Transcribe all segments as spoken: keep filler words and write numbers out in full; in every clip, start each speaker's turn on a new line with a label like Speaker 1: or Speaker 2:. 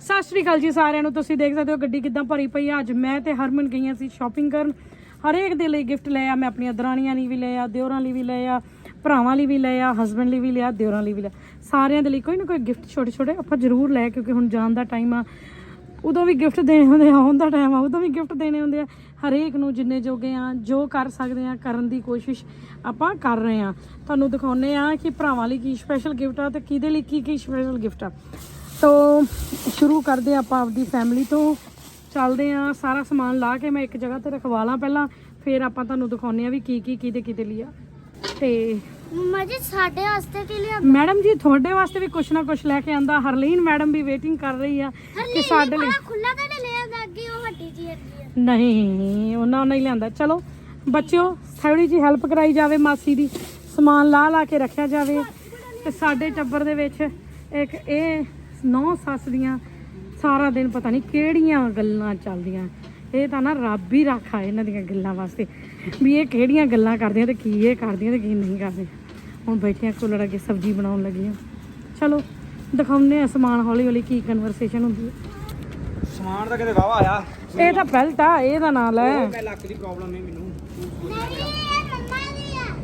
Speaker 1: ਸਤਿ ਸ਼੍ਰੀ ਅਕਾਲ ਜੀ ਸਾਰਿਆਂ ਨੂੰ। ਤੁਸੀਂ ਦੇਖ ਸਕਦੇ ਹੋ ਗੱਡੀ ਕਿੱਦਾਂ ਭਰੀ ਪਈ ਆ। ਅੱਜ ਮੈਂ ਤੇ ਹਰਮਨ ਗਈਆਂ ਸੀ ਸ਼ਾਪਿੰਗ ਕਰਨ। ਹਰੇਕ ਦੇ ਲਈ ਗਿਫਟ ਲਏ ਆ। ਮੈਂ ਆਪਣੀਆਂ ਦਰਾਣੀਆਂ ਲਈ ਵੀ ਲਏ ਆ, ਦਿਓਰਾਂ ਲਈ ਵੀ ਲਏ ਆ, ਭਰਾਵਾਂ ਲਈ ਵੀ ਲਏ ਆ, ਹਸਬੈਂਡ ਲਈ ਵੀ ਲਿਆ, ਦਿਓਰਾਂ ਲਈ ਵੀ ਲਿਆ। ਸਾਰਿਆਂ ਦੇ ਲਈ ਕੋਈ ਨਾ ਕੋਈ ਗਿਫਟ ਛੋਟੇ ਛੋਟੇ ਆਪਾਂ ਜ਼ਰੂਰ ਲੈ, ਕਿਉਂਕਿ ਹੁਣ ਜਾਣ ਦਾ ਟਾਈਮ ਆ। ਉਦੋਂ ਵੀ ਗਿਫਟ ਦੇਣੇ ਹੁੰਦੇ ਆ, ਆਉਣ ਦਾ ਟਾਈਮ ਆ ਉਦੋਂ ਵੀ ਗਿਫਟ ਦੇਣੇ ਹੁੰਦੇ ਆ। ਹਰੇਕ ਨੂੰ ਜਿੰਨੇ ਜੋਗੇ ਆ, ਜੋ ਕਰ ਸਕਦੇ ਆ ਕਰਨ ਦੀ ਕੋਸ਼ਿਸ਼ ਆਪਾਂ ਕਰ ਰਹੇ ਆ। ਤੁਹਾਨੂੰ ਦਿਖਾਉਂਦੇ ਆ ਕਿ ਭਰਾਵਾਂ ਲਈ ਕੀ ਸਪੈਸ਼ਲ ਗਿਫਟ ਆ ਤੇ ਕਿਹਦੇ ਲਈ ਕੀ ਕੀ ਸਪੈਸ਼ਲ ਗਿਫਟ ਆ। ਤੋ ਸ਼ੁਰੂ ਕਰਦੇ ਆਪਾਂ ਆਪਦੀ ਫੈਮਿਲੀ ਤੋਂ, ਚੱਲਦੇ ਆ। ਸਾਰਾ ਸਮਾਨ ਲਾ ਕੇ ਮੈਂ ਇੱਕ ਜਗ੍ਹਾ ਤੇ ਰਖਵਾ ਲਾਂ ਪਹਿਲਾਂ, ਫਿਰ ਆਪਾਂ ਤੁਹਾਨੂੰ ਦਿਖਾਉਂਦੇ ਆ ਵੀ ਕੀ ਕੀ ਕਿਹਦੇ ਕਿਹਦੇ ਲਈ ਆ। ਤੇ
Speaker 2: ਮੰਮਾ ਜੀ ਸਾਡੇ ਵਾਸਤੇ ਕੀ ਲਿਆ?
Speaker 1: ਮੈਡਮ ਜੀ ਤੁਹਾਡੇ ਵਾਸਤੇ ਵੀ ਕੁਛ ਨਾ ਕੁਛ ਲੈ ਕੇ ਆਂਦਾ। ਹਰਲੀਨ ਮੈਡਮ ਵੀ ਵੇਟਿੰਗ ਕਰ ਰਹੀ ਆ ਕਿ ਸਾਡੇ ਲਈ
Speaker 2: ਖੁੱਲਾ ਤਾਂ ਲੈ ਆਂਦਾ ਅੱਗੇ ਉਹ ਹੱਟੀ ਜੀ ਹੈਗੀ ਆ।
Speaker 1: ਨਹੀਂ, ਉਹਨਾਂ ਉਹਨਾਂ ਹੀ ਲਿਆਂਦਾ। ਚਲੋ ਬੱਚਿਓ, ਥੋੜੀ ਜੀ ਹੈਲਪ ਕਰਾਈ ਜਾਵੇ ਮਾਸੀ ਦੀ, ਸਮਾਨ ਲਾ ਲਾ ਕੇ ਰੱਖਿਆ ਜਾਵੇ। ਤੇ ਸਾਡੇ ਟੱਬਰ ਦੇ ਵਿੱਚ ਇੱਕ ਇਹ ਨੌ ਸੱਸ ਦੀਆਂ ਸਾਰਾ ਦਿਨ ਪਤਾ ਨਹੀਂ ਕਿਹੜੀਆਂ ਗੱਲਾਂ ਚੱਲਦੀਆਂ। ਇਹ ਤਾਂ ਨਾ ਰੱਬ ਹੀ ਰੱਖਾ ਇਹਨਾਂ ਦੀਆਂ ਗੱਲਾਂ ਵਾਸਤੇ, ਵੀ ਇਹ ਕਿਹੜੀਆਂ ਗੱਲਾਂ ਕਰਦੀਆਂ ਤੇ ਕੀ ਇਹ ਕਰਦੀਆਂ ਤੇ ਕੀ ਨਹੀਂ ਕਰਦੀਆਂ। ਹੁਣ ਬੈਠੀਆਂ ਕੂਲਰ ਅੱਗੇ ਸਬਜ਼ੀ ਬਣਾਉਣ ਲੱਗੀਆਂ। ਚਲੋ ਦਿਖਾਉਂਦੇ ਆ ਸਮਾਨ ਹੌਲੀ ਹੌਲੀ ਕੀ ਕਨਵਰਸੇਸ਼ਨ ਹੁੰਦੀ ਹੈ।
Speaker 3: ਸਮਾਨ ਤਾਂ ਕਿਤੇ ਵਾਵਾ ਆਇਆ।
Speaker 1: ਇਹ ਤਾਂ ਬੈਲਟ ਆ, ਇਹਦਾ ਨਾਂ ਲੈ।
Speaker 3: ਮੈਂ ਲੱਕ ਦੀ ਪ੍ਰੋਬਲਮ ਨਹੀਂ ਮੈਨੂੰ।
Speaker 2: ਨਹੀਂ ਇਹ ਮੰਮਾ ਦੀ ਆ।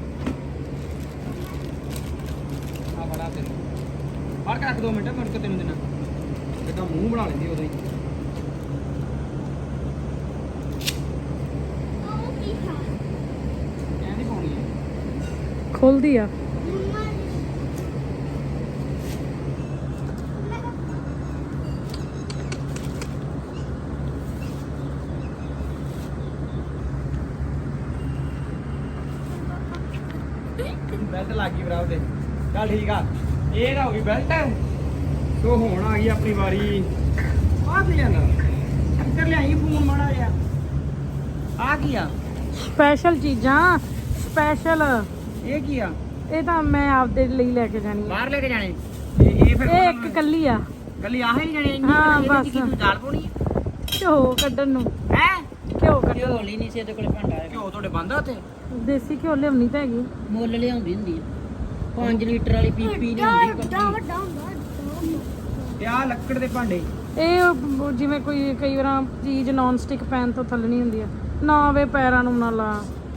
Speaker 3: ਆ ਬੜਾ ਤੈਨੂੰ ਫੜ ਕੇ ਰੱਖ ਦੋ ਮਿੰਟ, ਮੁੜ ਕੇ ਤੈਨੂੰ ਦੇਣਾ। ਕਿਦਾਂ ਮੂੰਹ ਬਣਾ ਲੈਂਦੀ ਉਦੋਂ ਹੀ।
Speaker 2: ਉਹ ਕੀ ਖਾ?
Speaker 3: ਐਂ ਨਹੀਂ ਪਾਉਣੀ ਹੈ।
Speaker 1: ਖੁੱਲਦੀ ਆ।
Speaker 2: ਮੰਮਾ ਜੀ
Speaker 3: ਬੈਲਟ ਲੱਗ ਗਈ ਭਰਾ ਉਹਦੇ। ਚੱਲ ਠੀਕ ਆ, ਇਹ ਤਾਂ ਹੋ ਗਈ ਬੈਲਟ। ਸੋ ਹੁਣ ਆ ਗਈ ਆਪਣੀ ਵਾਰੀ। ਆ ਕੀ ਜਾਂਦਾ ਇੱਧਰ ਲਿਆਈ ਫੋਨ ਮਾੜਾ ਜਿਹਾ। ਆ ਕੀ ਆ?
Speaker 1: ਸਪੈਸ਼ਲ ਚੀਜ਼ਾਂ, ਸਪੈਸ਼ਲ।
Speaker 3: ਇਹ ਕੀ ਆ?
Speaker 1: ਇਹ ਤਾਂ ਮੈਂ ਆਪਦੇ ਲਈ ਲੈ ਕੇ ਜਾਣੀ ਆ।
Speaker 3: ਬਾਹਰ ਲੈ ਕੇ ਜਾਣੇ? ਇਹ ਇਹ ਫਿਰ
Speaker 1: ਇਹ ਇੱਕ ਕੱਲੀ ਆ।
Speaker 3: ਕੱਲੀ ਆਹ ਹੀ ਜਾਣੇ?
Speaker 1: ਹਾਂ, ਬਸ।
Speaker 3: ਕੀ ਤੂੰ ਦਾਲ ਪਾਉਣੀ ਹੈ?
Speaker 1: ਘਿਓ ਕੱਢਣ ਨੂੰ।
Speaker 3: ਹੈ
Speaker 1: ਘਿਓ ਕੱਢਣ
Speaker 4: ਘਿਓ ਲਈ ਨਹੀਂ ਸੀ ਇਹਦੇ ਕੋਲੇ ਭਾਂਡਾ ਹੈਗਾ।
Speaker 3: ਘਿਓ ਤੁਹਾਡੇ ਬੰਦ ਆ ਉੱਥੇ?
Speaker 1: ਦੇਸੀ ਘਿਓ ਲਿਆਉਣੀ ਤਾਂ ਹੈਗੀ।
Speaker 4: ਮੁੱਲ ਲਿਆਉਂਦੀ ਹੁੰਦੀ ਆ ਪੰਜ ਲੀਟਰ ਵਾਲੀ ਪੀਪੀ
Speaker 2: ਵੱਡਾ
Speaker 4: ਲਿਆਉਂਦੀ
Speaker 2: ਵੱਡਾ
Speaker 4: ਪੱਕੀ।
Speaker 2: ਵੱਡਾ ਹੁੰਦਾ
Speaker 3: ਤੇ ਆਹ ਲੱਕੜ ਦੇ ਭਾਂਡੇ।
Speaker 1: ਇਹ ਉਹ ਜਿਵੇਂ ਕੋਈ ਕਈ ਵਾਰ ਚੀਜ਼ ਨੌਨ ਸਟਿਕ ਪੈਨ ਤੋਂ ਥੱਲਣੀ ਹੁੰਦੀ ਆ ਨਾ, ਵੇ ਪੈਰਾਂ ਨੂੰ ਨਾ ਲਾ।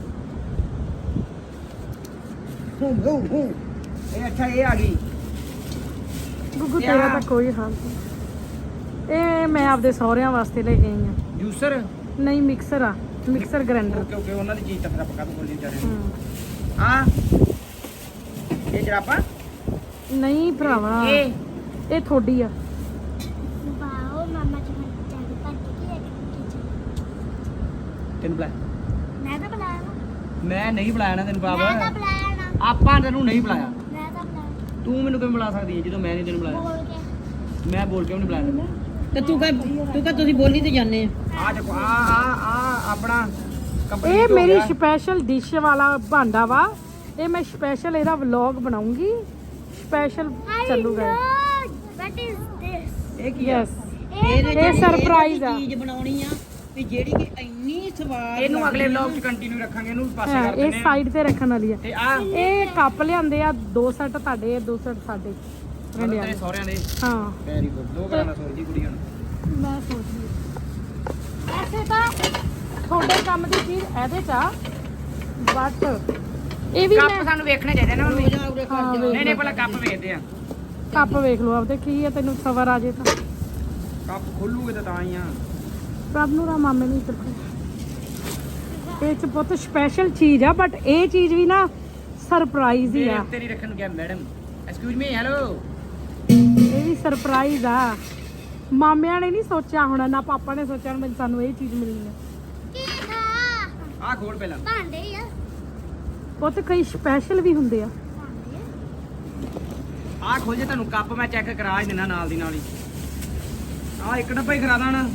Speaker 3: ਹੂੰ ਹੂੰ ਹੂੰ। ਇਹ ਅੱਛਾ ਇਹ ਆ ਗਈ।
Speaker 1: ਗੁੱਗੂ ਤੇਰਾ ਤਾਂ ਕੋਈ ਹਾਲ ਨਹੀਂ। ਇਹ ਮੈਂ ਆਪਦੇ ਸਹੁਰਿਆਂ ਵਾਸਤੇ ਲੈ ਕੇ ਆਈ ਆ।
Speaker 3: ਜੂਸਰ?
Speaker 1: ਨਹੀਂ, ਮਿਕਸਰ ਆ, ਮਿਕਸਰ ਗ੍ਰਾਈਂਡਰ।
Speaker 3: ਓਕੇ ਓਕੇ, ਉਹਨਾਂ ਦੀ ਚੀਜ਼ ਤਾਂ ਫਿਰ ਆਪਾਂ ਕਾਹਤੋਂ ਬੋਲੀ ਜਾ ਰਹੇ
Speaker 1: ਹੂੰ।
Speaker 3: ਹਾਂ। ਇਹ ਜਰਾਬਾਂ?
Speaker 1: ਨਹੀਂ ਭਰਾਵਾ,
Speaker 3: ਇਹ
Speaker 1: ਇਹ ਥੋੜੀ ਆ।
Speaker 2: ਵਾਓ ਮਾਮਾ ਜੀ ਮੈਂ ਚੱਲ ਪੱਟ ਕੇ ਲੈ ਕੇ
Speaker 3: ਤੈਨੂੰ ਬੁਲਾ?
Speaker 2: ਮੈਂ ਤਾਂ ਬੁਲਾਇਆ ਨਾ।
Speaker 3: ਮੈਂ ਨਹੀਂ ਬੁਲਾਇਆ ਨਾ ਤੈਨੂੰ
Speaker 2: ਮੈਂ ਤਾਂ
Speaker 3: ਬਾਬਾ।
Speaker 2: ਬੁਲਾਇਆ ਨਾ।
Speaker 3: ਆਪਾਂ ਤੈਨੂੰ ਨਹੀਂ ਬੁਲਾਇਆ।
Speaker 2: ਮੈਂ ਤਾਂ ਬੁਲਾਇਆ
Speaker 3: ਤੂੰ ਮੈਨੂੰ ਕਿਵੇਂ ਬੁਲਾ ਸਕਦੀ ਹੈ ਜਦੋਂ ਮੈਂ ਨਹੀਂ ਤੈਨੂੰ ਬੁਲਾਇਆ?
Speaker 2: ਬੋਲ ਕੇ।
Speaker 3: ਮੈਂ ਬੋਲ ਕੇ ਵੀ ਨਹੀਂ ਬੁਲਾਇਆ।
Speaker 4: ਤੇ ਤੂੰ ਕਹ ਤੂੰ ਕਹ ਤੁਸੀਂ ਬੋਲੀ ਤੇ ਜਾਂਦੇ ਆ।
Speaker 3: ਆ ਦੇਖੋ, ਆ ਆ ਆ ਆਪਣਾ ਕੰਪਨੀ
Speaker 1: ਇਹ ਮੇਰੀ ਸਪੈਸ਼ਲ ਡਿਸ਼ ਵਾਲਾ ਭਾਂਡਾ ਵਾ। ਇਹ ਮੈਂ ਸਪੈਸ਼ਲ ਇਹਦਾ ਵਲੌਗ ਬਣਾਉਂਗੀ, ਸਪੈਸ਼ਲ ਚੱਲੂਗਾ।
Speaker 2: What is this?
Speaker 3: ਇਹ ਕੀ ਆ?
Speaker 1: ਯੈਸ,
Speaker 4: ਇਹਦੇ
Speaker 1: ਇਹ
Speaker 4: ਚ
Speaker 1: ਸਰਪ੍ਰਾਈਜ਼ ਆ।
Speaker 4: ਚੀਜ਼ ਬਣਾਉਣੀ ਆ ਵੀ ਜਿਹੜੀ ਕਿ ਇੰਨੀ ਸਵਾਦ
Speaker 3: ਇਹਨੂੰ ਅਗਲੇ
Speaker 4: ਲੱਗਦੀ ਆ।
Speaker 3: ਵਲੌਗ 'ਚ ਕੰਟੀਨਿਊ ਰੱਖਾਂਗੇ। ਇਹਨੂੰ ਪਾਸੇ
Speaker 1: ਹਾਂ,
Speaker 3: ਕਰ
Speaker 1: ਇਹ
Speaker 3: ਦਿੰਦੇ ਆ।
Speaker 1: ਸਾਈਡ ਤੇ ਰੱਖਣ ਵਾਲੀ ਆ।
Speaker 3: ਤੇ ਆ
Speaker 1: ਇਹ ਕੱਪ ਲਿਆਂਦੇ ਆ, ਦੋ ਸੈੱਟ ਤੁਹਾਡੇ, ਦੋ ਸੈੱਟ ਸਾਡੇ ਰੰਡਿਆਂ
Speaker 3: ਤੇਰੇ
Speaker 1: ਦੇ।
Speaker 3: ਸਹੁਰਿਆਂ ਦੇ।
Speaker 1: ਹਾਂ,
Speaker 3: ਵੈਰੀ ਗੁੱਡ। ਦੋ ਘਰਾਂ ਦਾ ਸੋਚਦੀ ਕੁੜੀਆਂ ਨੂੰ।
Speaker 1: ਮੈਂ ਸੋਚਦੀ ਵੈਸੇ ਤਾਂ ਤੁਹਾਡੇ ਕੰਮ ਦੀ ਚੀਜ਼ ਇਹਦੇ ਚ ਆ, ਬਟ ਇਹ ਵੀ
Speaker 3: ਕੱਪ
Speaker 1: ਮੈਂ
Speaker 3: ਸਾਨੂੰ ਵੇਖਣੇ ਚਾਹੀਦੇ ਨਾ ਮੰਮੀ।
Speaker 4: ਰੋਜ਼ਾ ਉਰੇ
Speaker 1: ਹਾਂ,
Speaker 4: ਕਰ
Speaker 1: ਵੇਖ
Speaker 3: ਨਹੀਂ ਨਹੀਂ, ਪਹਿਲਾਂ ਕੱਪ ਵੇਖਦੇ ਆ।
Speaker 1: ਕੱਪ ਵੇਖ ਲਓ ਆਪਦੇ, ਕੀ ਆ ਤੈਨੂੰ ਸਬਰ ਆ ਜੇ ਤਾਂ।
Speaker 3: ਕੱਪ ਖੋਲੂਗੇ ਤਾਂ ਤਾਂ ਹੀ ਆ।
Speaker 1: ਪ੍ਰਭ ਨੂੰ ਰਾ ਮਾਮੇ ਨੂੰ ਇੱਧਰ ਇਹ ਚ ਬਹੁਤ ਸਪੈਸ਼ਲ ਚੀਜ਼ ਆ, ਬਟ ਇਹ ਚੀਜ਼ ਵੀ ਨਾ ਸਰਪ੍ਰਾਈਜ਼ ਹੀ
Speaker 3: ਮੇਰੇ
Speaker 1: ਆ।
Speaker 3: ਉੱਤੇ ਨਹੀਂ ਰੱਖਣ ਨੂੰ ਕਿਹਾ ਮੈਡਮ। Excuse me, hello.
Speaker 1: ਇਹ ਵੀ ਸਰਪ੍ਰਾਈਜ਼ ਆ। ਮਾਮਿਆਂ ਨੇ ਨਹੀਂ ਸੋਚਿਆ ਹੋਣਾ, ਨਾ ਪਾਪਾ ਨੇ ਸੋਚਿਆ ਹੋਣਾ ਸਾਨੂੰ ਇਹ ਚੀਜ਼ ਮਿਲਣੀ ਆ।
Speaker 2: ਕੀ ਖਾ?
Speaker 3: ਆ ਖੋਲ ਪਹਿਲਾਂ।
Speaker 2: ਭਾਂਡੇ ਹੀ ਆ।
Speaker 1: ਬਹੁਤ ਕਈ ਸਪੈਸ਼ਲ ਵੀ ਹੁੰਦੇ ਆ।
Speaker 2: ਭਾਂਡੇ
Speaker 3: ਆ ਖੋਲ ਜੇ, ਤੁਹਾਨੂੰ ਕੱਪ ਮੈਂ ਚੈੱਕ ਕਰਾ ਹੀ ਦਿੰਦਾ ਨਾਲ ਦੀ ਨਾਲ ਹੀ। ਆ ਇੱਕ ਡੱਬਾ ਹੀ ਕਰਾ ਦਾਂ।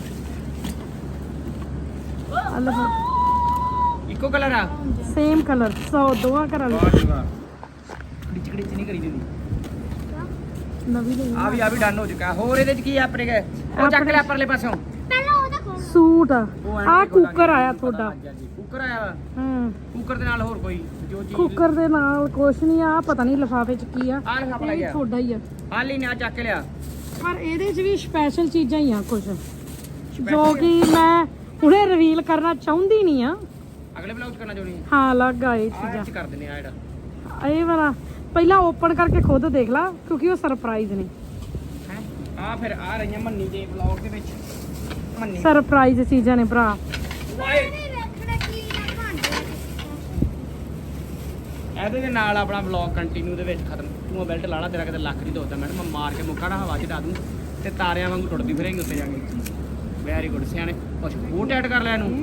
Speaker 3: ਇੱਕੋ ਕਲਰ ਆ?
Speaker 1: ਸੇਮ ਕਲਰ, ਸੋ ਦੋਵਾਂ ਘਰਾਂ ਲਈ
Speaker 3: ਵਾਹ ਜੀ ਵਾਹ। ਡਿਚ ਡਿਚ ਨਹੀਂ ਕਰੀ ਦਿੰਦੀ।
Speaker 1: ਨਵੀਂ ਲਈ
Speaker 3: ਆ ਵੀ ਆ ਵੀ ਡਨ ਹੋ ਚੁੱਕਾ। ਹੋਰ ਇਹਦੇ ਚ ਕੀ ਆ ਆਪਣੇ ਕੇ? ਉਹ ਚੱਕ ਲਿਆ ਪਰਲੇ ਪਾਸੋਂ।
Speaker 2: ਪਹਿਲਾਂ ਉਹਦਾ ਖੋਲ।
Speaker 1: ਸੂਟ ਆ।
Speaker 3: ਉਹ ਐਂ
Speaker 1: ਆ
Speaker 3: ਤੇ ਖੋਲਾਂਗੇ,
Speaker 1: ਕੁੱਕਰ ਆਇਆ
Speaker 3: ਪਤਾ
Speaker 1: ਤੁਹਾਡਾ।
Speaker 3: ਲੱਗ ਗਿਆ ਜੀ। ਕੁੱਕਰ ਆਇਆ ਵਾ।
Speaker 1: ਹਾਂ,
Speaker 3: ਕੁੱਕਰ ਦੇ ਨਾਲ ਹੋਰ ਕੋਈ ਜੋ ਚੀਜ਼?
Speaker 1: ਕੁੱਕਰ ਦੇ ਨਾਲ ਕੁਛ ਨਹੀਂ ਆ, ਪਤਾ ਨਹੀਂ ਲਿਫਾਫੇ ਚ ਕੀ ਆ।
Speaker 3: ਆ ਲਿਫਾਫਾ
Speaker 1: ਇਹ
Speaker 3: ਲੱਗਿਆ।
Speaker 1: ਤੁਹਾਡਾ ਹੀ ਆ।
Speaker 3: ਆ ਲਈ ਨੇ ਆ ਚੱਕ ਲਿਆ।
Speaker 1: ਪਰ ਇਹਦੇ 'ਚ ਵੀ ਸਪੈਸ਼ਲ ਚੀਜ਼ਾਂ ਹੀ ਆ ਕੁਝ ਜੋ ਕਿ ਮੈਂ ਹੁਣੇ ਰਿਵੀਲ ਕਰਨਾ ਚਾਹੁੰਦੀ ਨਹੀਂ ਆ।
Speaker 3: ਅਗਲੇ ਬਲੌਗ ਚ ਕਰਨਾ ਚਾਹੁੰਦੀ ਹਾਂ
Speaker 1: ਹਾਂ ਅਲੱਗ ਆ ਇਹ
Speaker 3: ਆਹ
Speaker 1: ਚੀਜ਼ਾਂ।
Speaker 3: ਚ ਕਰ ਦਿੰਦੇ ਆ ਜਿਹੜਾ
Speaker 1: ਇਹ ਵਾਲਾ ਪਹਿਲਾਂ ਓਪਨ ਕਰਕੇ ਖੁਦ ਦੇਖ ਲਾ ਕਿਉਂਕਿ ਉਹ ਸਰਪ੍ਰਾਈਜ਼ ਨੇ।
Speaker 3: ਹੈ ਆ ਫਿਰ ਆ ਰਹੀਆਂ ਮੰਨੀ ਦੇ ਬਲੌਗ ਦੇ ਵਿੱਚ ਮੰਨੀ
Speaker 1: ਸਰਪ੍ਰਾਈਜ਼ ਚੀਜ਼ਾਂ ਨੇ ਭਰਾ।
Speaker 3: ਵਾਏ
Speaker 2: ਵੇਖਣਾ ਕੀ ਨਾ ਭਾਂਡੇ
Speaker 3: ਇਹਦੇ ਦੇ ਨਾਲ ਆਪਣਾ ਬਲੌਗ ਕੰਟੀਨਿਊ ਦੇ ਵਿੱਚ ਖਤਮ। ਤੂੰ ਬੈਲਟ ਲਾ ਲਾ, ਤੇਰਾ ਕਿਤੇ ਲੱਖ ਨਹੀਂ ਦੋਦਾ ਮੈਡਮ, ਮੈਂ ਮਾਰ ਕੇ ਮੁੱਕਾ ਨਾ ਹਵਾ ਚ ਡਾ ਦੂੰ ਤੇ ਤਾਰਿਆਂ ਵਾਂਗੂ ਟੁੱਟਦੀ ਫਿਰੇਂਗੀ ਉੱਤੇ ਜਾ ਕੇ। ਵੈਰੀ ਗੁੱਡ ਸਿਆਣੇ। ਕੁਛ ਉਹ ਟੈਟ ਕਰ ਲੈ ਇਹਨੂੰ।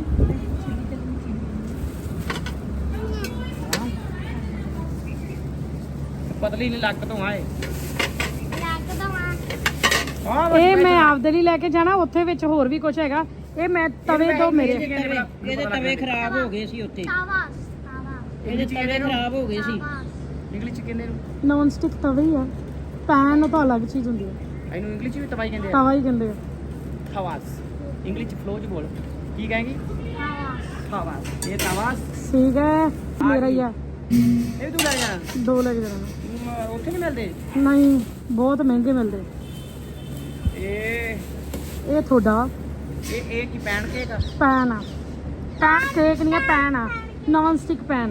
Speaker 3: ਪਤਲੀ ਨਹੀਂ ਲੱਕ ਤੋਂ ਆਏ
Speaker 2: ਲੱਗ ਦਵਾਂ
Speaker 3: ਹਾਂ
Speaker 1: ਇਹ ਮੈਂ ਆਪਦੇ ਲਈ ਲੈ ਕੇ ਜਾਣਾ, ਉੱਥੇ ਵਿੱਚ ਹੋਰ ਵੀ ਕੁਝ ਹੈਗਾ। ਇਹ ਮੈਂ ਤਵੇ ਤੋਂ ਮੇਰੇ
Speaker 4: ਤਵੇ ਇਹਦੇ ਤਵੇ ਖਰਾਬ ਹੋ ਗਏ ਸੀ ਉੱਥੇ,
Speaker 2: ਤਾਵਾ ਤਾਵਾ
Speaker 4: ਇਹਦੇ ਤਵੇ ਖਰਾਬ ਹੋ ਗਏ ਸੀ।
Speaker 3: ਇੰਗਲਿਸ਼ ਚ ਕਹਿੰਦੇ ਇਹਨੂੰ
Speaker 1: ਨੌਨ ਸਟਿਕ ਤਵੇ ਹੀ ਆ। ਪੈਨ ਤਾਂ ਅਲੱਗ ਚੀਜ਼ ਹੁੰਦੀ ਹੈ,
Speaker 3: ਇਹਨੂੰ ਇੰਗਲਿਸ਼ ਚ ਵੀ ਤਵਾਈ ਕਹਿੰਦੇ ਆ।
Speaker 1: ਤਵਾ ਹੀ ਕਹਿੰਦੇ ਆ।
Speaker 3: ਥਵਾਸ ਇੰਗਲਿਸ਼ ਚ ਫਲੋ ਚ ਬੋਲ ਕੀ ਕਹੇਂਗੀ?
Speaker 2: ਤਾਵਾ
Speaker 3: ਥਵਾਸ। ਇਹ ਤਵਾਸ
Speaker 1: ਠੀਕ ਹੈ ਮੇਰਾ ਹੀ ਆ।
Speaker 3: ਇਹ ਤੂੰ ਲੈ ਜਾਣਾ।
Speaker 1: ਦੋ ਲੈ ਕੇ ਜਾਣਾ।
Speaker 3: ਤੂੰ ਉੱਥੇ ਨਹੀਂ ਮਿਲਦੇ
Speaker 1: ਨਹੀਂ ਬਹੁਤ ਮਹਿੰਗੇ ਮਿਲਦੇ।
Speaker 3: ਇਹ
Speaker 1: ਇਹ ਤੁਹਾਡਾ
Speaker 3: ਇਹ ਇਹ ਕੀ ਪੈਣ ਕੇਕ ਆ?
Speaker 1: ਪੈਨ ਆ। ਪੈਨ ਕੇਕ ਨਹੀਂ ਆ, ਪੈਨ ਆ, ਨੌਨ ਸਟਿਕ ਪੈਨ।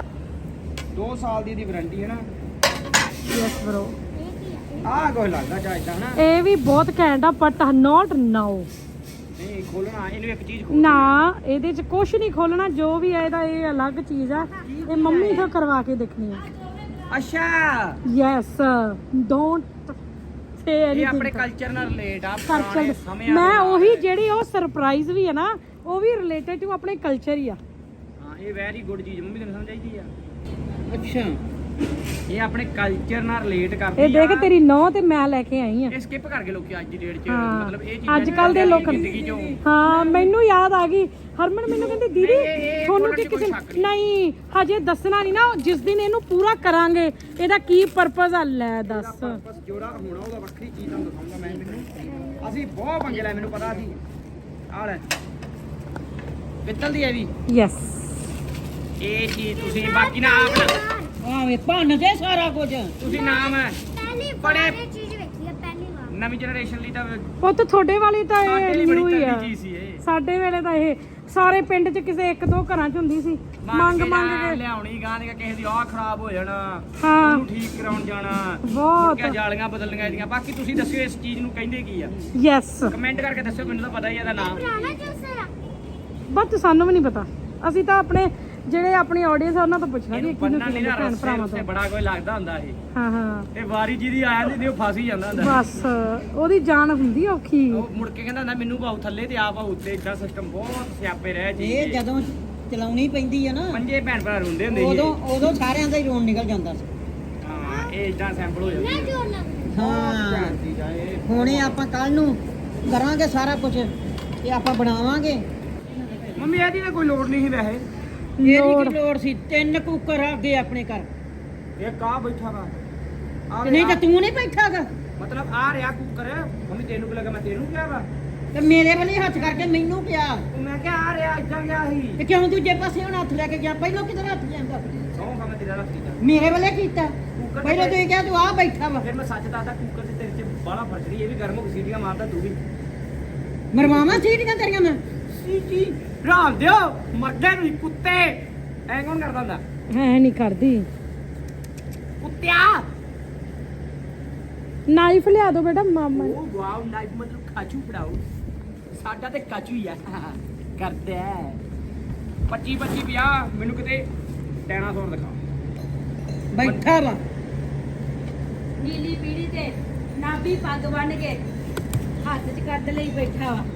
Speaker 3: ਦੋ ਸਾਲ ਦੀ ਇਹਦੀ ਵਾਰੰਟੀ ਹੈ ਨਾ।
Speaker 1: Yes bro.
Speaker 2: ਇਹ ਕੀ ਆ
Speaker 3: ਆਹ ਕੋਈ ਲੱਗਦਾ ਚਾਹੀਦਾ ਹਨਾ।
Speaker 1: ਇਹ ਵੀ ਬਹੁਤ ਘੈਂਟ ਆ ਬਟ ਨਾਟ ਨਾਓ।
Speaker 3: ਨਹੀਂ ਖੋਲਣਾ ਇਹਨੂੰ ਇੱਕ ਚੀਜ਼ ਖੋਲ
Speaker 1: ਨਾ ਇਹਦੇ ਚ ਕੁਝ ਨਹੀਂ ਖੋਲਣਾ, ਜੋ ਵੀ ਹੈ ਇਹਦਾ ਇਹ ਅਲੱਗ ਚੀਜ਼ ਆ। ਇਹ ਮੰਮੀ ਤੋਂ ਕਰਵਾ ਕੇ ਦੇਖਣੀ ਆ।
Speaker 3: ਅੱਛਾ
Speaker 1: ਯੈਸ ਡੋਂਟ ਸੇ
Speaker 3: ਇਹ
Speaker 1: ਐਨੀਥਿੰਗ।
Speaker 3: ਆਪਣੇ ਕਲਚਰ ਨਾਲ ਰਿਲੇਟ ਆ ਪੁਰਾਣੇ ਸਮਿਆਂ
Speaker 1: ਮੈਂ
Speaker 3: ਦੇ ਨਾਲ।
Speaker 1: ਉਹੀ ਜਿਹੜੀ ਉਹ ਸਰਪ੍ਰਾਈਜ਼ ਵੀ ਹੈ ਨਾ, ਉਹ ਵੀ ਰਿਲੇਟਡ ਟੂ ਆਪਣੇ ਕਲਚਰ ਹੀ ਆ।
Speaker 3: ਹਾਂ ਇਹ ਵੈਰੀ ਗੁੱਡ ਚੀਜ਼ ਮੰਮੀ ਤੈਨੂੰ ਸਮਝ ਆਈਦੀ ਆ।
Speaker 4: ਅੱਛਾ
Speaker 3: ਇਹ ਆਪਣੇ ਕਲਚਰ ਨਾਲ ਰਿਲੇਟ ਕਰਦੀ ਆ।
Speaker 1: ਇਹ ਦੇਖ ਤੇਰੀ ਨੌ ਤੇ ਮੈਂ ਲੈ ਕੇ ਆਈ ਆ।
Speaker 3: ਇਹ ਸਕਿਪ ਕਰਕੇ ਲੋਕੀ ਅੱਜ ਦੀ ਡੇਟ 'ਚ
Speaker 1: ਹਾਂ।
Speaker 3: ਮਤਲਬ ਇਹ ਚੀਜ਼ਾਂ
Speaker 1: ਅੱਜ ਕੱਲ ਦੇ ਲੋਕ
Speaker 3: ਜ਼ਿੰਦਗੀ 'ਚੋਂ
Speaker 1: ਹਾਂ ਮੈਨੂੰ ਯਾਦ ਆ ਗਈ। ਹਰਮਨ ਮੈਨੂੰ ਕਹਿੰਦੀ ਦੀਦੀ
Speaker 3: ਨਹੀਂ, ਇਹ- ਇਹ
Speaker 1: ਤੁਹਾਨੂੰ
Speaker 3: ਬੋਲਣ
Speaker 1: ਕਿ
Speaker 3: 'ਚ ਕੋਈ
Speaker 1: ਕਿਸੇ
Speaker 3: ਸ਼ੱਕ ਨਹੀਂ।
Speaker 1: ਨਹੀਂ ਹਜੇ ਦੱਸਣਾ ਨਹੀਂ ਨਾ, ਜਿਸ ਦਿਨ ਇਹਨੂੰ ਪੂਰਾ ਕਰਾਂਗੇ ਇਹਦਾ ਕੀ ਪਰਪਸ ਆ ਲੈ ਦੱਸ।
Speaker 3: ਬਸ ਜੋੜਾ ਹੋਣਾ ਉਹਦਾ ਵੱਖਰੀ ਚੀਜ਼ ਤੁਹਾਨੂੰ ਦਿਖਾਉਂਗਾ ਮੈਂ। ਮੈਨੂੰ ਅਸੀਂ ਬਹੁਤ ਪੰਗੇ ਲੈ, ਮੈਨੂੰ ਪਤਾ ਸੀ। ਆਹ ਲੈ ਪਿੱਤਲ ਦੀ ਹੈ ਵੀ
Speaker 1: ਯੈਸ
Speaker 3: ਇਹ ਚੀਜ਼ ਤੁਸੀਂ ਬਾਕੀ ਨਾ ਆਪ ਨਾ
Speaker 4: ਆਵੇ ਭੰਨ ਦੇ ਸਾਰਾ ਕੁਝ।
Speaker 3: ਤੁਸੀਂ ਨਾਮ ਹੈ
Speaker 2: ਪਹਿਲੀ
Speaker 3: ਬੜੇ-
Speaker 2: ਵਾਰ ਇਹ ਚੀਜ਼ ਵੇਖੀ ਆ ਪਹਿਲੀ ਵਾਰ।
Speaker 3: ਨਵੀਂ ਜਨਰੇਸ਼ਨ ਲਈ ਤਾਂ
Speaker 1: ਉਹ ਤਾਂ ਤੁਹਾਡੇ ਵਾਲੀ ਤਾਂ
Speaker 3: ਸਾਡੇ
Speaker 1: ਇਹ
Speaker 3: ਲਈ
Speaker 1: ਨਿਊ
Speaker 3: ਬੜੀ
Speaker 1: ਹੀ ਆ।
Speaker 3: ਤਗੜੀ ਚੀਜ਼ ਸੀ ਇਹ।
Speaker 1: ਸਾਡੇ ਵੇਲੇ ਤਾਂ ਇਹ ਸਾਰੇ ਪਿੰਡ 'ਚ ਕਿਸੇ ਇੱਕ ਦੋ ਘਰਾਂ 'ਚ ਹੁੰਦੀ ਸੀ। ਮੰਗ ਮੰਗ ਕੇ
Speaker 3: ਲਿਆਉਣੀ ਗਾਂ ਦੀ ਕਿਸੇ ਦੀ ਆਹ ਖਰਾਬ ਹੋ ਜਾਣਾ,
Speaker 1: ਹਾਂ।
Speaker 3: ਉਹਨੂੰ ਠੀਕ ਕਰਾਉਣ ਜਾਣਾ,
Speaker 1: ਬਹੁਤ।
Speaker 3: ਮੁੜ ਕੇ ਜਾਲੀਆਂ ਬਦਲਣੀਆਂ ਇਹਦੀਆਂ। ਬਾਕੀ ਤੁਸੀਂ ਦੱਸਿਓ ਇਸ ਚੀਜ਼ ਨੂੰ ਕਹਿੰਦੇ ਕੀ ਆ,
Speaker 1: ਯੈਸ
Speaker 3: ਕਮੈਂਟ ਕਰਕੇ ਦੱਸਿਓ, ਮੈਨੂੰ ਤਾਂ ਪਤਾ ਹੀ ਇਹਦਾ ਨਾਮ।
Speaker 2: ਪੁਰਾਣਾ ਜੂਸਰ ਆ
Speaker 1: ਬਟ ਸਾਨੂੰ ਵੀ ਨਹੀਂ ਪਤਾ। ਅਸੀਂ ਤਾਂ ਆਪਣੇ ਜਿਹੜੇ ਆਪਣੀ ਆਡੀਅנס ਆ ਉਹਨਾਂ ਤੋਂ ਪੁੱਛਣਾ ਵੀ
Speaker 3: ਇਹਨੂੰ
Speaker 1: ਇਹ ਕਿਹਨੂੰ
Speaker 3: ਬੰਨਣ ਨਹੀਂ
Speaker 1: ਕਿਹਨੂੰ
Speaker 3: ਨਾ
Speaker 1: ਭੈਣ
Speaker 3: ਰਸਤੇ
Speaker 1: ਭਰਾਵਾਂ
Speaker 3: ਰਸਤੇ
Speaker 1: ਤੋਂ।
Speaker 3: ਬੜਾ ਕੋਈ ਲੱਗਦਾ ਹੁੰਦਾ ਇਹ।
Speaker 1: ਹਾਂ ਹਾਂ
Speaker 3: ਤੇ ਵਾਰੀ ਜਿਹਦੀ ਆ ਜਾਂਦੀ ਤੇ ਉਹ ਫਸ ਹੀ ਜਾਂਦਾ ਹੁੰਦਾ।
Speaker 1: ਬਸ ਉਹਦੀ ਜਾਨ ਹੁੰਦੀ ਆ ਔਖੀ।
Speaker 3: ਉਹ ਮੁੜ ਕੇ ਕਹਿੰਦਾ ਹੁੰਦਾ ਮੈਨੂੰ ਭਾਉ ਥੱਲੇ ਤੇ ਆਪ ਭਾਉ ਉੱਤੇ। ਇਦਾਂ ਸਿਸਟਮ ਬਹੁਤ ਸਿਆਪੇ ਰਹਿ ਜੀ।
Speaker 4: ਇਹ ਜਦੋਂ ਚਲਾਉਣੀ ਪੈਂਦੀ ਆ ਨਾ,
Speaker 3: ਪੰਜੇ ਭੈਣ ਭਰਾ ਰੋਂਦੇ ਹੁੰਦੇ ਸੀ
Speaker 4: ਉਦੋਂ ਉਦੋਂ ਸਾਰਿਆਂ ਦਾ ਹੀ ਰੋਣ ਨਿਕਲ ਜਾਂਦਾ ਸੀ।
Speaker 3: ਹਾਂ ਇਹ ਇਦਾਂ ਸੈਂਪਲ ਹੋ
Speaker 2: ਨਾ
Speaker 3: ਜਾਂਦੀ
Speaker 2: ਜੋੜ ਲੱਗ
Speaker 4: ਹਾਂ
Speaker 3: ਹੈ।
Speaker 4: ਹੁਣੇ ਆਪਾਂ ਕੱਲ ਨੂੰ ਕਰਾਂਗੇ ਸਾਰਾ ਕੁਝ ਤੇ ਆਪਾਂ ਬਣਾਵਾਂਗੇ।
Speaker 3: ਮੰਮੀ ਇਹਦੀ ਤਾਂ ਕੋਈ ਲੋੜ ਨਹੀਂ ਸੀ ਵੈਸੇ।
Speaker 4: ਇਹਦੀ
Speaker 1: ਲੋੜ
Speaker 4: ਕੀ ਲੋੜ ਸੀ? ਤਿੰਨ ਕੁੱਕਰ ਆ ਅੱਗੇ ਆਪਣੇ ਘਰ,
Speaker 3: ਇਹ ਕਾ ਬੈਠਾ ਵਾ ਆਹ
Speaker 4: ਤੇ ਨਹੀਂ ਤਾਂ ਤੂੰ ਨਹੀਂ ਬੈਠਾਗਾ।
Speaker 3: ਮਤਲਬ ਆ ਰਿਹਾ ਕੁੱਕਰ। ਮੰਮੀ ਤੈਨੂੰ ਕੀ ਲੱਗਾ ਮੈਂ ਤੈਨੂੰ ਕਿਹਾ ਵਾ?
Speaker 4: ਤੇ ਮੇਰੇ ਵੱਲੇ ਹੱਥ ਕਰਕੇ ਮੈਨੂੰ ਪਿਆ
Speaker 3: ਉਹ ਮੈਂ ਕਿਹਾ ਆ ਰਿਹਾ ਇਦਾਂ ਗਿਆ ਸੀ।
Speaker 4: ਤੇ ਕਿਉਂ ਦੂਜੇ ਪਾਸੇ ਹੁਣ ਹੱਥ ਲੈ ਕੇ ਗਿਆ? ਪਹਿਲਾਂ ਕਿਧਰ ਹੱਥ ਜਾਂਦਾ?
Speaker 3: ਸੌਂ ਖਾ ਮੈਂ ਤੇਰਾ ਰੱਖ ਕੀਤਾ।
Speaker 4: ਮੇਰੇ ਵੱਲੇ ਕੀਤਾ।
Speaker 3: ਕੁੱਕਰ
Speaker 4: ਪਹਿਲਾਂ ਤੂੰ ਕਿਹਾ ਤੂੰ ਆ ਬੈਠਾ ਵਾ।
Speaker 3: ਫਿਰ ਮੈਂ ਸੱਚ ਦੱਸਦਾ, ਕੁੱਕਰ ਤੇ ਤੇਰੇ 'ਚ ਬਾਹਲਾ ਫਰਕ ਨਹੀਂ। ਇਹ ਵੀ ਗਰਮ ਹੋ ਕੇ ਸੀਟੀਆਂ ਮਾਰਦਾ ਤੂੰ ਵੀ।
Speaker 4: ਮਰਵਾਵਾਂ ਸੀਟੀਆਂ ਤੇਰੀਆਂ ਮੈਂ।
Speaker 3: ਸੀਟੀ ਰਾਮ ਦਿਓ ਮਰਦੇ ਨੂੰ ਕੁੱਤੇ। ਐਂ ਕੌਣ ਕਰਦਾ ਹੁੰਦਾ?
Speaker 1: ਹੈ ਨਹੀਂ ਕਰਦੀ।
Speaker 3: ਕੁੱਤਿਆ
Speaker 1: ਨਾਈਫ ਲਿਆ ਦੋ ਬੇਟਾ ਮਾਮਾ ਨੇ।
Speaker 3: ਉਹ ਵਾਓ ਨਾਈਫ ਮਤਲਬ ਕਾਚੂ ਫੜਾਓ। ਸਾਡਾ ਤੇ ਕਾਚੂ ਹੀ ਆ ਕਰਦਾ ਪੱਚੀ ਪੱਚੀ ਪੰਜਾਹ। ਮੈਨੂੰ ਕਿਤੇ ਡਾਇਨਾਸੌਰ ਦਿਖਾ।
Speaker 4: ਬੈਠਾ ਵਾ
Speaker 5: ਨੀਲੀ ਪੀੜੀ ਤੇ ਨਾਭੀ ਪੱਗ ਬੰਨ ਕੇ ਹੱਥ 'ਚ ਕੱਢ ਲਈ ਬੈਠਾ ਵਾ।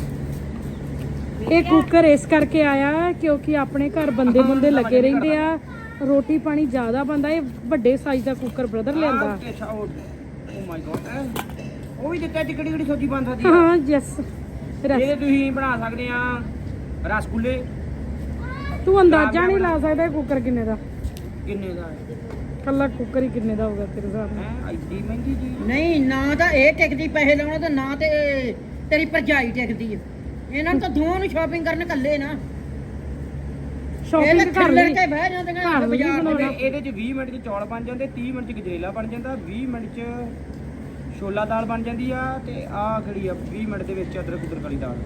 Speaker 1: ਇਹ ਕੁੱਕਰ ਇਸ ਕਰਕੇ ਆਇਆ ਕਿਉਂਕਿ ਆਪਣੇ ਘਰ ਬੰਦੇ ਬੰਦੇ ਲੱਗੇ ਰਹਿੰਦੇ ਆ, ਰੋਟੀ ਪਾਣੀ ਜ਼ਿਆਦਾ ਬਣਦਾ। ਇਹ ਵੱਡੇ ਸਾਈਜ਼ ਦਾ ਕੁੱਕਰ ਬ੍ਰਦਰ ਲਿਆਂਦਾ।
Speaker 3: ਓ ਮਾਈ ਗॉड ਉਹ ਵੀ ਦਿੱਤਾ ਟਿਕੜੀ ਕਿਹੜੀ ਸਬਜ਼ੀ ਬਣ ਸਕਦੀ ਆ।
Speaker 1: ਹਾਂ ਯੈਸ
Speaker 3: ਇਹ ਤੁਸੀਂ ਬਣਾ ਸਕਦੇ ਆ ਰਸਗੁੱਲੇ।
Speaker 1: ਤੂੰ ਅੰਦਾਜ਼ਾ ਨਹੀਂ ਲਾ ਸਕਦਾ ਇਹ ਕੁੱਕਰ ਕਿੰਨੇ ਦਾ।
Speaker 3: ਕਿੰਨੇ ਦਾ ਹੈ?
Speaker 1: ਕੱਲਾ ਕੁੱਕਰ ਹੀ ਕਿੰਨੇ ਦਾ ਹੋਊਗਾ ਤੇਰੇ ਹਿਸਾਬ ਨਾਲ।
Speaker 3: ਹੈਂ, ਐਡੀ ਮਹਿੰਗੀ ਜੀ।
Speaker 4: ਨਹੀਂ ਨਾ ਤਾਂ ਇਹ ਟਿਕਦੀ ਪੈਸੇ ਲਾਉਣਾ ਤੇ ਨਾ ਤੇ ਤੇਰੀ ਭਰਜਾਈ ਟਿਕਦੀ ਆ। ਇਹਨਾਂ ਨੂੰ ਤਾਂ ਦੋਵਾਂ ਨੂੰ ਸ਼ਾਪਿੰਗ ਕਰਨ ਕੱਲੇ ਨਾ। ਇਹ
Speaker 1: ਸ਼ਾਪਿੰਗ
Speaker 4: ਤਾਂ
Speaker 1: ਕਰ
Speaker 4: ਖੱਲਰ
Speaker 1: ਲਈ
Speaker 4: ਕੇ ਬਹਿ ਜਾਂਦੀਆਂ
Speaker 1: ਘਰ ਵੀ
Speaker 4: ਬਾਜ਼ਾਰ ਦੇ
Speaker 1: ਬਣਾਉਣਾ।
Speaker 4: ਵਿੱਚ।
Speaker 3: ਇਹਦੇ ਚ ਵੀਹ ਮਿੰਟ ਚ ਚੌਲ ਬਣ ਜਾਂਦੇ, ਤੀਹ ਮਿੰਟ ਚ ਗਜਰੇਲਾ ਬਣ ਜਾਂਦਾ, ਵੀਹ ਮਿੰਟ ਚ ਛੋਲਾ ਦਾਲ ਬਣ ਜਾਂਦੀ ਆ ਤੇ ਆਹ ਖੜੀ ਆ ਵੀਹ ਮਿੰਟ ਦੇ ਵਿੱਚ ਅਦਰਕ ਉਦਰਕ ਵਾਲੀ ਦਾਲ।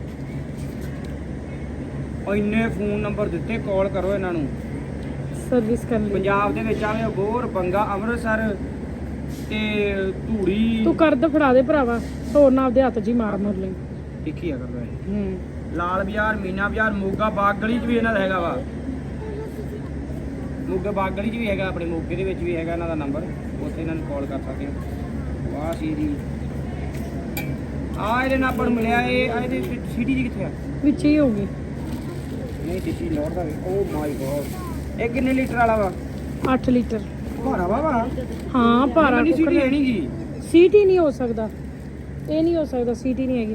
Speaker 3: ਉਹ ਇੰਨੇ ਫੋਨ ਨੰਬਰ ਦਿੱਤੇ, ਕਾਲ ਕਰੋ ਇਹਨਾਂ ਨੂੰ।
Speaker 1: ਸਰਵਿਸ ਕਰ ਲਈ।
Speaker 3: ਪੰਜਾਬ ਦੇ ਵਿੱਚ ਆਵੇ ਅਬੋਹਰ, ਬੰਗਾ, ਅੰਮ੍ਰਿਤਸਰ ਤੇ ਧੂੜੀ।
Speaker 1: ਤੂੰ ਕਰ ਦੇ ਫੜਾ ਦੇ ਭਰਾਵਾ, ਹੋਰ ਨਾ ਆਪਦੇ ਹੱਥ 'ਚ ਹੀ ਮਾਰ ਮੁਰ ਲਈ।
Speaker 3: ਦੇਖੀ ਆ ਕਰਦਾ ਇਹ
Speaker 1: ਹੂੰ
Speaker 3: ਲਾਲ ਬਾਜ਼ਾਰ, ਮੀਨਾ ਬਾਜ਼ਾਰ, ਮੋਗਾ ਬਾਗ ਗਲੀ 'ਚ ਵੀ ਇਹਨਾਂ ਦਾ ਹੈਗਾ ਵਾ। ਮੋਗਾ ਬਾਗ ਗਲੀ 'ਚ ਵੀ ਹੈਗਾ, ਆਪਣੇ ਮੋਗੇ ਦੇ ਵਿੱਚ ਵੀ ਹੈਗਾ ਇਹਨਾਂ ਦਾ ਨੰਬਰ, ਉੱਥੇ ਇਹਨਾਂ ਨੂੰ ਕਾਲ ਕਰ ਸਕਦੇ ਹੋ। ਵਾਹ ਸੀਰੀ ਆ ਇਹਦੇ ਨਾਲ ਆਪਾਂ ਨੂੰ ਮਿਲਿਆ। ਇਹ ਆ ਇਹਦੇ ਸਿਟੀ ਜੀ ਕਿੱਥੇ ਆ?
Speaker 1: ਵਿੱਚ ਹੀ ਹੋਊਗੀ।
Speaker 3: ਨਹੀਂ ਸਿਟੀ ਲੋੜ ਦਾ ਵੀ। ਓ ਮਾਈ ਗॉड, ਇਹ ਕਿੰਨੇ ਲੀਟਰ ਵਾਲਾ ਵਾ?
Speaker 1: ਅੱਠ ਲੀਟਰ।
Speaker 3: ਭਾਰਾ ਵਾ ਵਾ।
Speaker 1: ਹਾਂ ਭਾਰਾ
Speaker 3: ਨਹੀਂ
Speaker 1: ਕੁੱਕਰ
Speaker 3: ਸਿਟੀ ਹੈ ਨਹੀਂ ਗੀ।
Speaker 1: ਸੀਟ ਹੀ ਨਹੀਂ ਹੋ ਸਕਦਾ, ਇਹ ਨਹੀਂ ਹੋ ਸਕਦਾ, ਸੀਟ ਹੀ ਨਹੀਂ ਹੈਗੀ।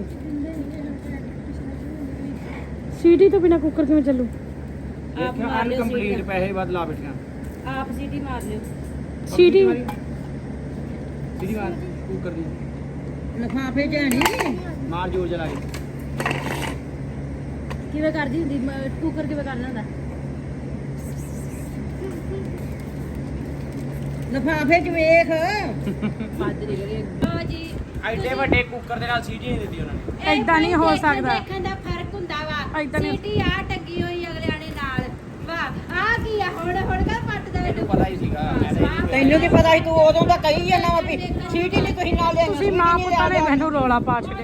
Speaker 1: ਸੀਟ ਹੀ ਤੋਂ ਬਿਨਾ ਕੁੱਕਰ ਕਿਵੇਂ ਚੱਲੂ?
Speaker 5: ਆਪ ਮਾਰ ਲਿਓ
Speaker 3: ਅਨਕੰਪਲੀਟ
Speaker 5: ਸੀਟੀ।
Speaker 3: ਪੈਸੇ ਵੱਧ ਲਾ ਬੈਠੀਆਂ।
Speaker 5: ਆਪ ਸੀਟੀ ਮਾਰ ਲਿਓ।
Speaker 1: ਸੀਟ ਹੀ
Speaker 3: ਸਿਟੀ ਮਾਰ ਕੁੱਕਰ ਦੀ
Speaker 4: ਲਿਫਾਫੇ 'ਚ ਹੈ ਨਹੀਂ
Speaker 3: ਮਾਰ ਜੋਰ ਚਲਾ ਕੇ।
Speaker 5: ਕਿਵੇਂ ਕਰਦੀ ਹੁੰਦੀ ਮ- ਕੁੱਕਰ ਕਿਵੇਂ ਕਰਨਾ ਹੁੰਦਾ?
Speaker 4: ਲਿਫਾਫੇ 'ਚ ਵੇਖ।
Speaker 5: ਹੱਦ ਨਹੀਂ ਕਰੀ ਲਓ ਜੀ।
Speaker 3: ਐਡੇ ਵੱਡੇ ਕੁੱਕਰ ਦੇ ਨਾਲ ਸੀਟੀ ਨਹੀਂ ਦਿੱਤੀ ਉਹਨਾਂ ਨੇ।
Speaker 5: ਇਹ
Speaker 1: ਏਦਾਂ ਨਹੀਂ ਹੋ
Speaker 5: ਦੇਖਣ-
Speaker 1: ਸਕਦਾ।
Speaker 5: ਦੇਖਣ ਦਾ ਫਰਕ ਹੁੰਦਾ ਵਾ।
Speaker 1: ਏਦਾਂ ਨਹੀਂ-
Speaker 5: ਸੀਟੀ ਆ ਟੰਗੀ ਹੋਈ ਅਗਲਿਆਂ ਨੇ ਨਾਲ। ਵਾਹ ਆ ਕੀ ਆ, ਹੁਣ ਹੁਣ ਕਾ ਪੱਟਦਾ
Speaker 3: ਮੈਨੂੰ
Speaker 5: ਇਹਨੂੰ।
Speaker 3: ਪਤਾ ਹੀ ਸੀਗਾ। ਮੈਂ ਤਾਂ ਇਹੀ
Speaker 4: ਤੈਨੂੰ ਕੀ ਪਤਾ ਸੀ, ਤੂੰ ਉਦੋਂ ਤਾਂ ਕਹੀ ਜਾਂਦਾ ਵਾ ਵੀ ਸੀਟ ਹੀ ਨਹੀਂ ਤੁਸੀਂ ਨਾਲ ਲਿਆਈ।
Speaker 1: ਤੁਸੀਂ ਮਾਂ ਪੁੱਤਾਂ ਨੇ ਮੈਨੂੰ ਰੋਲਾ ਪਾ ਛੱਡਿਆ।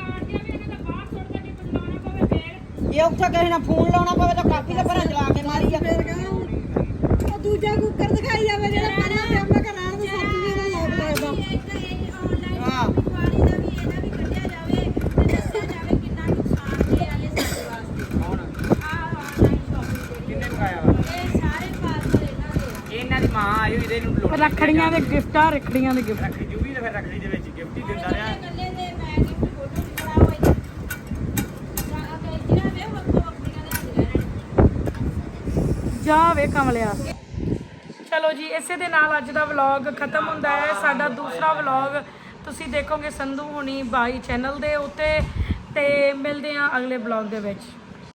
Speaker 4: ਜੇ ਉੱਥੇ ਕਿਸੇ ਨਾਲ ਫੋਨ ਲਾਉਣਾ ਪਵੇ ਤਾਂ ਕਾਪੀ ਦਾ ਭਰਾ ਚਲਾ ਕੇ ਮਾਰੀ ਜਾ।
Speaker 5: ਉਹ ਦੂਜਾ ਕੁੱਕਰ ਦਿਖਾਈ ਜਾਵੇ ਜਿਹੜਾ ਪਹਿਲਾਂ ਤੇ ਆਪਾਂ ਘਰਾਂ ਨੂੰ ਸੱਤ ਜੀ ਦਾ ਲੋਕ ਲੱਗਦਾ।
Speaker 4: ਹਾਂ।
Speaker 5: ਪਾਣੀ ਦਾ ਵੀ ਇਹਦਾ ਵੀ ਕੱਢਿਆ ਜਾਵੇ ਤੇ ਦੱਸਿਆ ਜਾਵੇ ਕਿੰਨਾ ਨੁਕਸਾਨ ਦੇ ਆ ਇਹ ਸਾਡੇ ਵਾਸਤੇ।
Speaker 3: ਕੌਣ?
Speaker 5: ਆਹ ਆਨਲਾਈਨ ਸ਼ਾਪਿੰਗ
Speaker 3: ਕਿੰਨੇ
Speaker 5: ਦੇ
Speaker 3: ਮੰਗਾਇਆ ਵਾ?
Speaker 5: ਇਹ ਸਾਰੇ ਪਾਰਸਲ ਇਹਨਾਂ ਦੇ।
Speaker 3: ਇਹਨਾਂ ਦੀ ਮਾਂ ਆਈ ਹੋਈ ਇਹਦੇ ਨੂੰ ਲੋੜ
Speaker 1: ਰੱਖੜੀਆਂ ਦੇ ਗਿਫਟ ਆ, ਰੱਖੜੀਆਂ ਦੇ ਗਿਫਟ।
Speaker 3: ਰੱਖੜੀ ਜੂਗੀ ਤੇ ਫਿਰ ਰੱਖੜੀ ਦੇ ਵਿੱਚ ਗਿਫਟ ਹੀ ਦਿੰਦਾ ਰਿਹਾ।
Speaker 5: ਗੱਲੇ ਦੇ ਮੈਂ ਗਿਫਟ ਫੋਟੋ ਵੀ ਬਣਾ ਹੋਈ ਜਾਂ ਅਗੇ ਜਿਹੜਾ ਵੇ ਵੱਖੋ ਵੱਖਰੀਆਂ ਲਿਆਂਦੀਆਂ ਨੇ।
Speaker 1: ਜਾ ਵੇ ਕਮਲਿਆ। ਚਲੋ ਜੀ, ਇਸੇ ਦੇ ਨਾਲ ਅੱਜ ਦਾ ਵਲੌਗ ਖਤਮ ਹੁੰਦਾ ਹੈ। ਸਾਡਾ ਦੂਸਰਾ ਵਲੌਗ ਤੁਸੀਂ ਦੇਖੋਗੇ ਸੰਧੂ ਹੁਣੀ ਬਾਈ ਚੈਨਲ ਦੇ ਉੱਤੇ, ਤੇ ਮਿਲਦੇ ਹਾਂ ਅਗਲੇ ਵਲੌਗ ਦੇ ਵਿੱਚ।